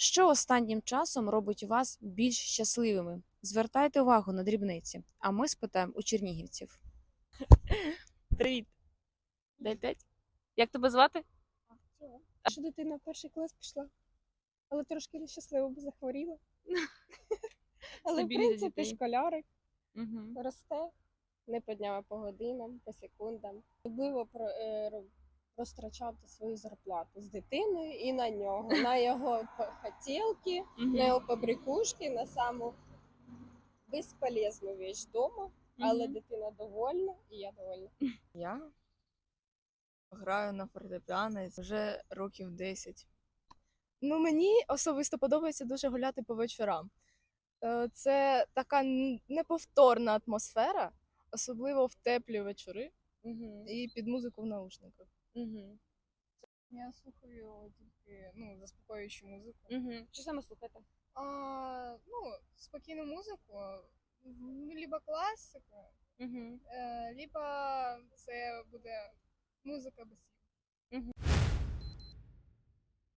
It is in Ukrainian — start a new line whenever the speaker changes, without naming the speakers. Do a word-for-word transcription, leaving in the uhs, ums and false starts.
Що останнім часом робить вас більш щасливими? Звертайте увагу на дрібниці, а ми спитаємо у чернігівців. Привіт. Дай п'ять. Як тебе звати?
Що дитина в перший клас пішла, але трошки нещасливо, бо захворіла. Але, в
Стабільність
принципі,
дітей.
школярик
Угу.
росте не по дням, а по годинам, по секундам. Особливо про, е, ро- розтрачати свою зарплату з дитиною і на нього, на його п- хотілки, на його побрякушки, на саму безполезну віч вдома, але дитина довольна і я довольна.
Я граю на фортепіано вже років десять. Ну, мені особисто подобається дуже гуляти по вечорам. Е, Це така н- неповторна атмосфера, особливо в теплі вечори
Угу.
і під музику в наушниках.
Угу.
Я слухаю тільки ну, заспокоюючу музику.
Угу. Що саме слухати?
А, ну, спокійну музику, либо класику,
Угу.
е, либо це буде музика без слів.